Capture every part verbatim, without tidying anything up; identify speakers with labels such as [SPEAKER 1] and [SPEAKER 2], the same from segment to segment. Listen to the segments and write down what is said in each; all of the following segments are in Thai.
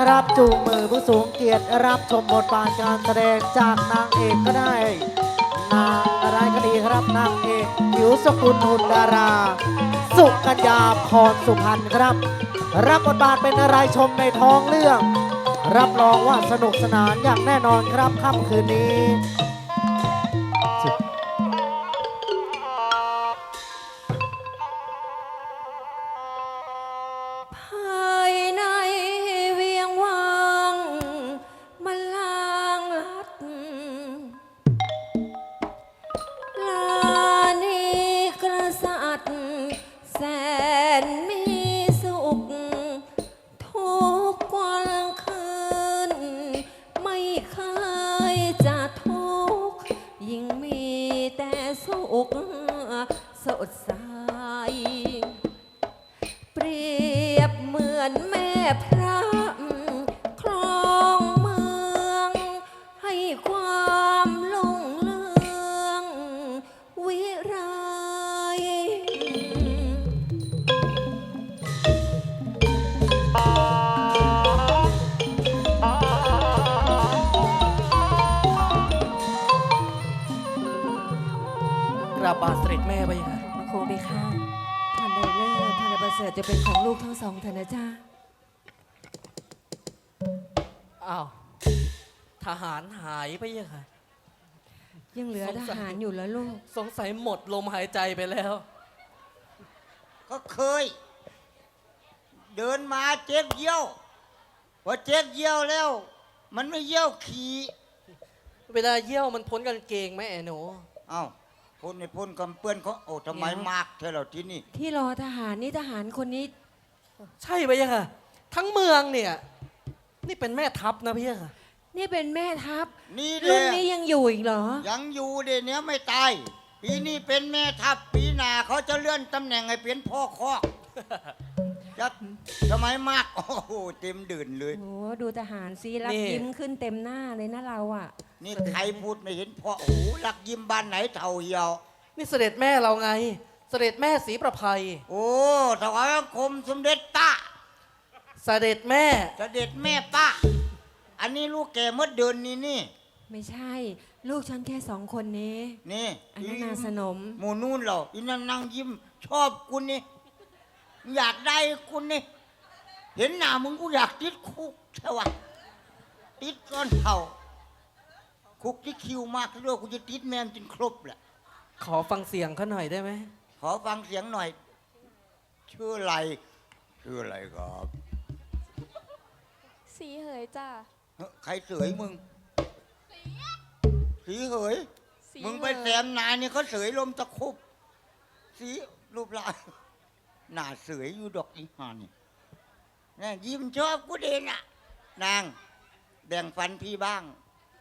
[SPEAKER 1] ครับจูงมือผู้สูงเกียรติรับชมบทบาทการแสดงจากนางเอกก็ได้นางอะไรก็ดีครับนางเอกผิวสกุลหุ่นดารา สุกัญญาพรสุพรรณครับ รับบทบาทเป็นอะไรชมในท้องเรื่อง รับรองว่าสนุกสนานอย่างแน่นอนครับค่ำคืนนี้
[SPEAKER 2] ภายในเวียงวังมันลางลัดลานีกษัตริย์แสนมีสุขทุกวันคืนไม่เคยจะทุกข์ยิ่งมีแต่สุขสดใส เปรียบเหมือนแม่พระครองเมืองให้ความลุ่งเรืองวิไร
[SPEAKER 3] กราบบาทเสด็จแม่ไปค่ะ
[SPEAKER 2] พระโคไปข้าท่านใดเลิศท่านใดประเสริฐจะเป็นของลูกทั้งสองเถอะนะจ้า
[SPEAKER 3] อ้าวทหารหายไปยังค่ะ
[SPEAKER 2] ยังเหลือ
[SPEAKER 3] สง
[SPEAKER 2] ท
[SPEAKER 3] สัย
[SPEAKER 2] หารอยู่แล้วลูก
[SPEAKER 3] สงสัยหมดลมหายใจไปแล้ว
[SPEAKER 4] ก็เคย เดินมาเจ็บเยี่ยวพอเจ็บเยี่ยวแล้ว มันไม่เยี่ยวขี่
[SPEAKER 3] เวลาเยี่ยวมันพ้นกางเกงไหมไอ้หนู
[SPEAKER 4] เอ้าพ่นในพ่นกำเปื้อนเขาโอ้ทำไมมากเท่าเราที่นี่
[SPEAKER 2] ที่รอทหารนี่ทหารคนนี้
[SPEAKER 3] ใช่ไปยังค่ะ ทั้งเมืองเนี่ย นี่เป็นแม่ทัพนะพี่ค่ะ
[SPEAKER 2] นี่เป็นแม่ทัพ
[SPEAKER 4] นี่เล
[SPEAKER 2] รุ่น
[SPEAKER 4] ย
[SPEAKER 2] นี้ยังอยู่อีกเหรอ
[SPEAKER 4] ยังอยู่เดี๋ยวนี้ไม่ตาย ปีนี้เป็นแม่ทัพปีหน้าเขาจะเลื่อนตำแหน่งให้เป็นพ่อคอกจะทำไมมากโอ้โหเต็มดื่นเลย
[SPEAKER 2] โอ้ดูทหารซิรับ
[SPEAKER 3] นี่
[SPEAKER 2] ยิ้มขึ้นเต็มหน้าเลยนะเราอ่ะ
[SPEAKER 4] นี่ใครพูดไม่เห็นพ่อโอ้โหรักยิ้มบ้านไหนเท่าเหี่ยว
[SPEAKER 3] นี่เสด็จแม่เราไง เสด็จแม่ศรีประภัย
[SPEAKER 4] โอ้ถวายบังคมสมเด็จป้า
[SPEAKER 3] เสด็จแม่
[SPEAKER 4] เสด็จแม่ป้า อันนี้ลูกแกเมื่อเดือนนี้นี่
[SPEAKER 2] ไม่ใช่ ลูกฉันแค่สองคนนี้
[SPEAKER 4] นี่
[SPEAKER 2] อันนั้นนาสนม
[SPEAKER 4] หมูนู่นเหรออีนั่นนั่งยิ้ม ชอบกูนี่ อยากได้กูนี่ เห็นหน้ามึงกูอยากติดคุกใช่วะติดก้อนเข่าคุกที่คิวมากด้วยกูจะติดแมมจนครบแหละ
[SPEAKER 3] ขอฟังเสียงเขาหน่อยได้ไหม
[SPEAKER 4] ขอฟังเสียงหน่อย ชื่ออะไร ชื่ออะไรครับ
[SPEAKER 5] สีเหยจ้า
[SPEAKER 4] เฮ้ยใครเสยมึง สีเหย
[SPEAKER 5] สี
[SPEAKER 4] มึงไป
[SPEAKER 5] เหย
[SPEAKER 4] แซมนายนี่เขาเสยลมตะคุบ สีรูปร่างหน้าเสยอยู่ดอกอีห่านี่นี่ยิ้มชอบกูเด่นอ่ะ นางแบ่งฟันพี่บ้าง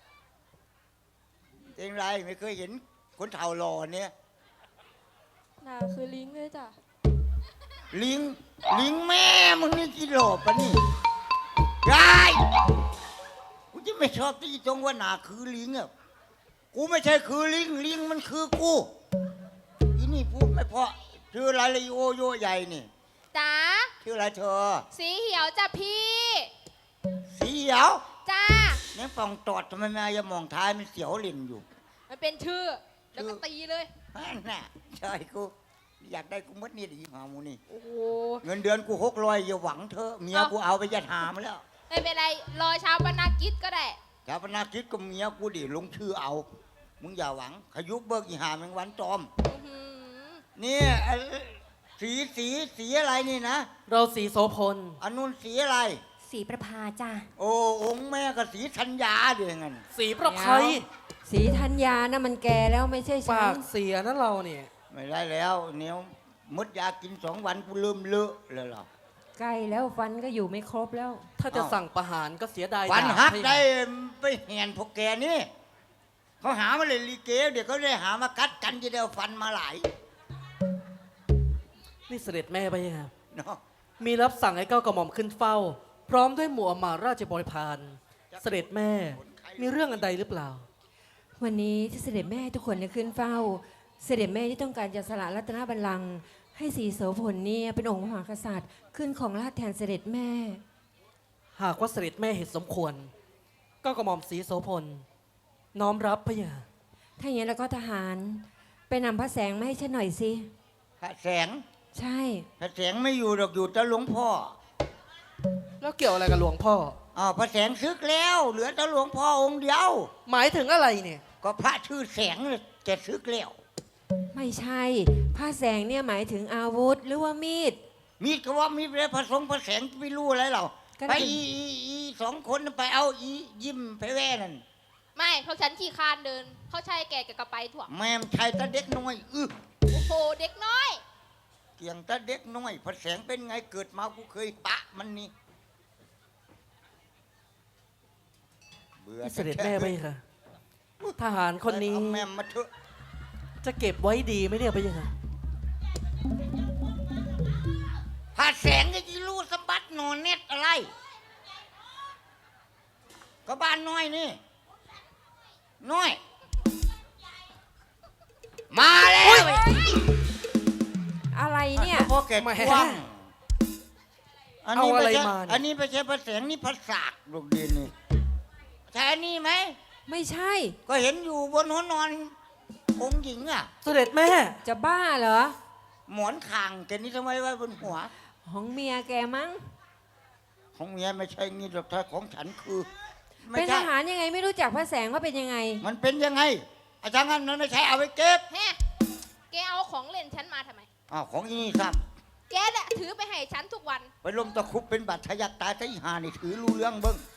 [SPEAKER 4] เองไรไม่เคยเห็นคนเฒ่าหล่อเนี่ย
[SPEAKER 5] หนาคือลิงเลยจ้ะ
[SPEAKER 4] ลิง ลิงแม่มึงนี่กิโลปะนี่ยายกูจะไม่ชอบที่ตรงว่าหนาคือลิงอ่ะ กูไม่ใช่คือลิง ลิงมันคือกูอีนี่พูดไม่เพราะชื่ออะไรเลยโอโยใหญ่นี่
[SPEAKER 5] จ้า
[SPEAKER 4] ชื่ออะไรเธอ
[SPEAKER 5] สีเหียวจ้ะพี่
[SPEAKER 4] สีเขียว
[SPEAKER 5] จ้า
[SPEAKER 4] เนี่ยฟองตอดทำไมแม่ยังมองท้ายมันเสียวเล่นอยู่
[SPEAKER 5] มันเป็นชื่อ แล้วก็ตีเลย
[SPEAKER 4] นั่นน่ะใช่กู อยากได้กูมัดนี่ดีหามูนี่
[SPEAKER 5] โอ้โห
[SPEAKER 4] เงินเดือนกูหกร้อยอย่าหวังเธอะเมียกูเอาไปยัดหามแล้ว
[SPEAKER 5] ไม่เป็นไร รอเช้าปนากิจก็ได้
[SPEAKER 4] ชาวพนาคิดก็เมียกูดิลงชื่อเอา มึงอย่าหวัง ขยุบเบิกอีหาแมงวันตอม
[SPEAKER 5] อื้อหือ
[SPEAKER 4] นี่เอ่อสีสีสีอะไรนี่นะ
[SPEAKER 3] เราสีโสพล
[SPEAKER 4] อันนู้นสีอะไร
[SPEAKER 2] สีประภาจ้า
[SPEAKER 4] โอ้องค์แม่กับสีธัญญาเดียวกัน
[SPEAKER 3] สีประภัย
[SPEAKER 2] สีธัญญานะมันแก่แล้วไม่ใช่ฉั
[SPEAKER 3] ปาน กเสียนะเราเนี่ย
[SPEAKER 4] ไม่ได้แล้วเนี้ยมดยากินสองวันกูเริ่มเลอะเลยเหรอ
[SPEAKER 2] ใกล้แล้วฟันก็อยู่ไม่ครบแล้ว
[SPEAKER 3] ถ้าจะ
[SPEAKER 4] อ้าว
[SPEAKER 3] สั่งประหารก็เสียดาย
[SPEAKER 4] วัน
[SPEAKER 3] ดาบ
[SPEAKER 4] ฮัก
[SPEAKER 3] ให้
[SPEAKER 4] ได้ไปแหนพวกแกนี่เขาหามาเลยลีเกเดี๋ยวเขาได้หามากัดกันจะได้เอาฟันมาหลาย
[SPEAKER 3] นี่เสด็จแม่ไปยัง
[SPEAKER 4] เนาะ
[SPEAKER 3] มีรับสั่งให้เก้ากระหม่อมขึ้นเฝ้า พร้อมด้วยหมู่อำมาตย์ราชบริพารเสด็จแม่ มีเรื่องอันใดหรือเปล่า
[SPEAKER 2] วันนี้ที่เสด็จแม่ทุกคนได้ขึ้นเฝ้า เสด็จแม่ที่ต้องการจะสละรัตนบัลลังก์ให้ศรีโสพลเนี่ยเป็นองค์มหากษัตริย์ ขึ้นของราชย์แทนเสด็จแม่
[SPEAKER 3] หากว่าเสด็จแม่เห็นสมควร ก็กระหม่อมศรีโสพลน้อมรับพระยา
[SPEAKER 2] ถ้าอย่างนั้นแล้วก็ทหารไปนำพระแสงมาให้ฉันหน่อยสิ
[SPEAKER 4] พระแสง
[SPEAKER 2] ใช่
[SPEAKER 4] พระแสงไม่อยู่หรอกอยู่แต่หลวงพ่อ
[SPEAKER 3] แล้วเกี่ยวอะไรกับหลวงพ่อ
[SPEAKER 4] อ้าวพระแสงซึกแล้ว เหลือแต่หลวงพ่อองค์เดียว
[SPEAKER 3] หมายถึงอะไรเนี่ย
[SPEAKER 4] ก็พระชื่อแสงเนี่ยแกซึกแล้ว
[SPEAKER 2] ไม่ใช่พระแสงเนี่ยหมายถึงอาวุธหรือว่ามีด
[SPEAKER 4] มีดก็ว่ามีดแล้วพระสงฆ์พระแสงไม่รู้อะไรเรา
[SPEAKER 2] ก็
[SPEAKER 4] ไป
[SPEAKER 2] ถึง
[SPEAKER 4] อีอีอีสองคนไปเอาอียิ้มไปแว่นั่น
[SPEAKER 5] ไม่พวกฉันขี่คานเดิน เขาใช้แกกับกระไปถ่วง
[SPEAKER 4] แม่มชายตาเด็กน้อยอื้อ
[SPEAKER 5] โอ้โห เด็กน้อย
[SPEAKER 4] เกียงตาเด็กน้อยพระแสงเป็นไงเกิดมากูเคยปะมันนี่เบื่อ
[SPEAKER 3] เสด็จแม่พระยาค่ะทหารคนนี้
[SPEAKER 4] เอาแม่มมาเถอะ
[SPEAKER 3] จะเก็บไว้ดีไหมเนี่ยพระยาค่ะ
[SPEAKER 4] พระแสงก็ยีรู้สมบัตินอนเน็ตอะไร ก็บ้านน้อยนี่ น้อย มาแล้ว
[SPEAKER 2] อะไรเนี่ย
[SPEAKER 4] พ่อแกกว้างอันนี้
[SPEAKER 3] เอาอะไร
[SPEAKER 4] ไม่ใช่
[SPEAKER 3] มาเนี่ย
[SPEAKER 4] อันนี้ไม่ใช่พระแสงนี่พระสากลูกดินนี่ใช่อันนี้ไหม
[SPEAKER 2] ไม่ใช่
[SPEAKER 4] ก็เห็นอยู่บนหัวนอนองค์หญิงอ่ะ
[SPEAKER 3] เสด็จแม่
[SPEAKER 2] จะบ้าเหรอ
[SPEAKER 4] หมอนคางแกนี่ทำไมไว้บนหัว
[SPEAKER 2] ของเมียแกมั้ง
[SPEAKER 4] ของเมียไม่ใช่งี้หรอกถ้าของฉันคือไม่
[SPEAKER 2] เป็นท
[SPEAKER 4] ใช่
[SPEAKER 2] หารยังไงไม่รู้จักพระแสงว่าเป็นยังไง
[SPEAKER 4] มันเป็นยังไง อาจารย์งั้นมันไม่ใช่เอาไปเก็บ
[SPEAKER 5] แฮะ แกเอาของเล่นฉันมาทำไม
[SPEAKER 4] อ้าวของอีนี่ครับ
[SPEAKER 5] แกแหละถือไปให้ฉันทุกวัน
[SPEAKER 4] ไปลมตะครุบเป็นบาดทะยักตายทะหานี่ถือรู้เรื่องเบิ้ง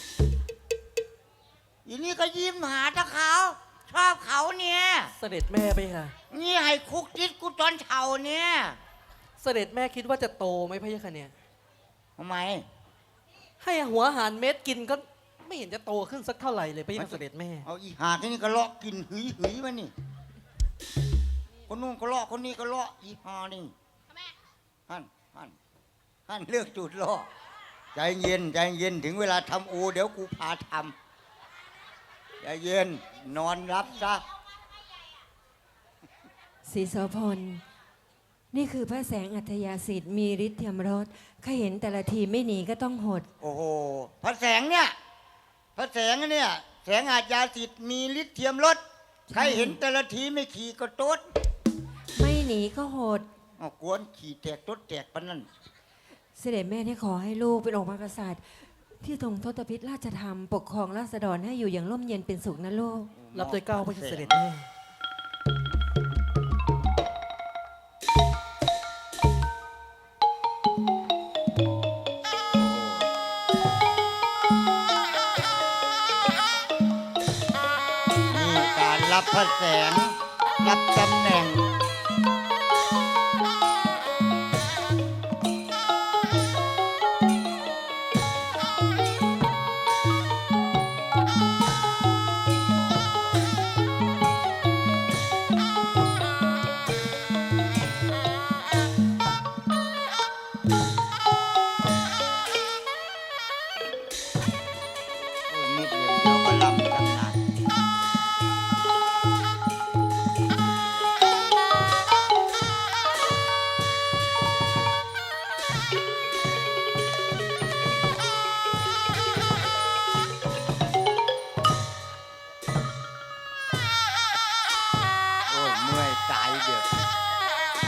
[SPEAKER 4] อีนี่ก็ยิ้มหาตะเขาชอบเขาเนี่ย
[SPEAKER 3] เสด็จแม่พระยาค่ะ
[SPEAKER 4] นี่ให้คุกจิตกูตอนเฉาเนี่ย
[SPEAKER 3] เสด็จแม่คิดว่าจะโตไหมพระยาค่ะเนี่ย
[SPEAKER 4] ทำไม
[SPEAKER 3] ให้หัวอาหารเม็ดกินก็ไม่เห็นจะโตขึ้นสักเท่าไหร่เลยพระยาค่ะเสด็จแม่
[SPEAKER 4] เอาอีหาที่นี่ก็เลาะกินหืยหืยมานี่คนนู้นก็เลาะคนนี้ก็เลาะอีหานี่
[SPEAKER 5] ทำไม
[SPEAKER 4] ฮั่นฮั่นฮั่นเลือกจุดเลาะใจเย็นใจเย็นถึงเวลาทำโอ เดี๋ยวกูพาทำใจเย็นนอนรับซะ
[SPEAKER 2] ศรีโสพล นี่คือพระแสงอัธยาสิทธิ์มีฤทธิ์เทียมรสข้าเห็นแต่ละทีไม่หนีก็ต้องหด
[SPEAKER 4] โอ้โหพระแสงเนี่ยพระแสงเนี่ยแสงอาจยาสิทธิ์มีฤทธิ์เทียมรถใครเห็นแต่ละทีไม่ขี่ก็โต๊ด
[SPEAKER 2] ไม่หนีก็หด
[SPEAKER 4] เอากวนขี่แตกโต๊ดแตกปะนั่น
[SPEAKER 2] เสด็จแม่ที่ขอให้ลูกเป็นองค์พระกษัตริย์ ที่ทรงทศพิธราชธรรม ปกครองราษฎรให้อยู่อย่างร่มเย็นเป็นสุขนะลูก
[SPEAKER 3] รับโดยเกล้าพระยาค่ะเสด็จแม่
[SPEAKER 4] นี่การรับพระแสงรับตำแหน่ง โอ้ยนิดเดียวเดียวก็ลำกันนะโอ้ยเมื่อยตายเดือด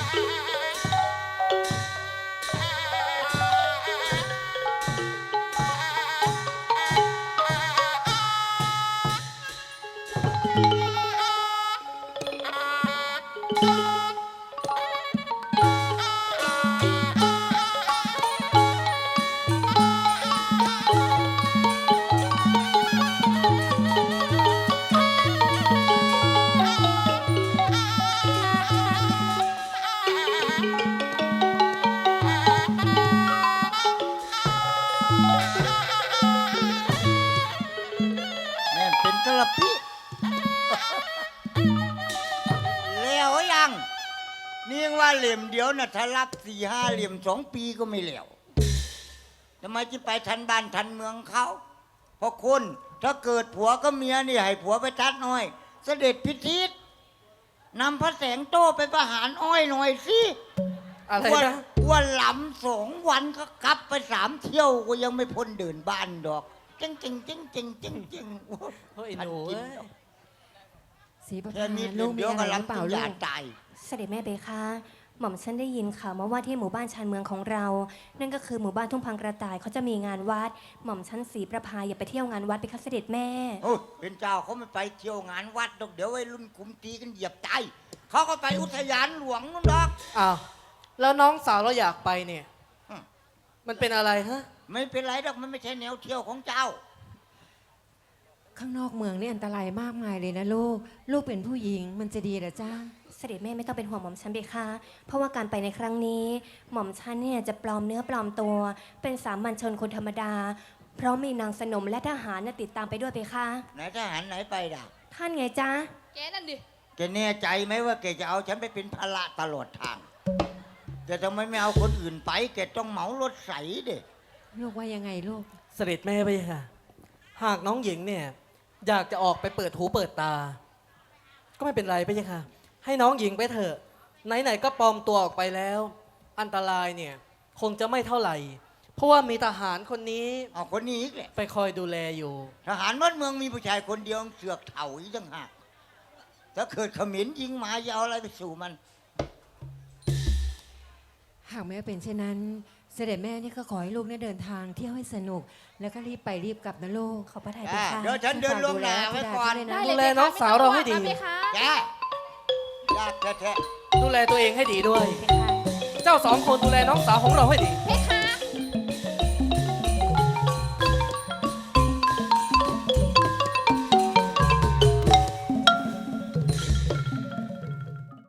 [SPEAKER 4] แม่เป็นกระปิแล้วยัง นี่ยังว่าเหลี่ยมเดียวนะถ้ารับสี่ห้าเหลี่ยมสองปีก็ไม่เหลวทำไมจะไปทันบ้านทันเมืองเขาเพราะคุณถ้าเกิดผัวก็เมียนี่ให้ผัวไปทัดหน่อย เสด็จพิธิตนำพระแสงโต้ไปประหารอ้อยหน่อยสิ
[SPEAKER 3] อะไร
[SPEAKER 4] ว่า
[SPEAKER 3] นะ
[SPEAKER 4] ว่าหลำสองวันก็กลับไปสามเที่ยวก็ยังไม่พ้นเดินบ้านดอกเจ๊งเจ๊งเจ๊งเจ๊งเจ๊งเจ๊ง
[SPEAKER 3] เฮ้ยหนูเอ้ย
[SPEAKER 2] สีประ
[SPEAKER 4] แค่
[SPEAKER 2] พา
[SPEAKER 4] นี้
[SPEAKER 2] ลู
[SPEAKER 4] เดี๋
[SPEAKER 2] ก
[SPEAKER 4] ยว
[SPEAKER 2] มี
[SPEAKER 4] เดี๋ยว
[SPEAKER 2] อะไร
[SPEAKER 4] ก็
[SPEAKER 2] หรือเป
[SPEAKER 4] ลำ
[SPEAKER 2] ล่า
[SPEAKER 4] ตุ
[SPEAKER 2] ลู
[SPEAKER 4] ยาก ตาย
[SPEAKER 6] เสด็จแม่เบคะหม่อมฉันได้ยินข่าวมาว่าที่หมู่บ้านชานเมืองของเรา นั่นก็คือหมู่บ้านทุ่งพังกระต่ายเขาจะมีงานวัด หม่อมฉันสีประพาอย่าไปเที่ยวงานวัดไปคะเสด็จแม่
[SPEAKER 4] โอ้ยเป็นเจ้าเขาไม่ไปเที่ยวงานวัดดอกเดี๋ยววัยรุ่นกลุ่มตีกันเหยียบตายเขาก็ไปอุทยานหลวงนู่นดอก
[SPEAKER 3] อ้าวแล้วน้องสาวเราอยากไปเนี่ย
[SPEAKER 4] อืม
[SPEAKER 3] มันเป็นอะไรฮะ
[SPEAKER 4] ไม่เป็นไรดอกมันไม่ใช่แนวเที่ยวของเจ้า
[SPEAKER 2] ข้างนอกเมืองนี่อันตรายมากมายเลยนะลูก ลูกเป็นผู้หญิงมันจะดีเหรอจ้า
[SPEAKER 6] เสด็จแม่ไม่ต้องเป็นห่วงหม่อมฉันเบคะเพราะว่าการไปในครั้งนี้ หม่อมฉันเนี่ยจะปลอมเนื้อปลอมตัว เป็นสามัญชนคนธรรมดา เพราะมีนางสนมและทหารน่ะติดตามไปด้วยเบคะ
[SPEAKER 4] ไหนทหารไหนไปด่ะ
[SPEAKER 6] ท่านไงจ๊ะ
[SPEAKER 5] แกนั่นดิ
[SPEAKER 4] แกแน่ใจไหมว่าแกจะเอาฉันไปเป็นภาระตลอดทางแกทำไมไม่เอาคนอื่นไปแกต้องเหมารถใสเด็
[SPEAKER 2] ลูกว่ายังไงลูก
[SPEAKER 3] เสด็จแม่ไปค่ะ หากน้องหญิงเนี่ย อยากจะออกไปเปิดหูเปิดตา ก็ไม่เป็นไรไปค่ะ ให้น้องหญิงไปเถอะ ไหนๆก็ปลอมตัวออกไปแล้ว อันตรายเนี่ย คงจะไม่เท่าไหร่ เพราะว่ามีทหารคนนี้
[SPEAKER 4] เอาคนนี้อีกแหละ
[SPEAKER 3] ไปคอยดูแลอยู่
[SPEAKER 4] ทหารบ้านเมืองมีผู้ชายคนเดียวเสือกเถ่าอีกต่างหากถ้าเกิดเขมิ้นยิงมาจะเอาอะไรไปสู่มัน
[SPEAKER 2] หากแม่เป็นเช่นนั้น เสด็จแม่นี่ก็ขอให้ลูกเนี่ยเดินทางเที่ยวให้สนุก แล้วก็รีบไปรีบกลับนะลูก
[SPEAKER 6] ขอพระทัยเบ
[SPEAKER 4] อ่า
[SPEAKER 6] คะ
[SPEAKER 4] เดี๋ยวฉันเดินลวงหน้าไว้ก่อน
[SPEAKER 2] ได้
[SPEAKER 3] ดูแลน้องสาวเราให้ดี
[SPEAKER 5] ไหมคะ
[SPEAKER 4] แกยากแท้
[SPEAKER 3] ดูแลตัวเองให้ดีด้วย
[SPEAKER 6] เบคะ
[SPEAKER 3] เจ้าสองคนดูแลน้องสาวของเราให้ดี
[SPEAKER 5] เพ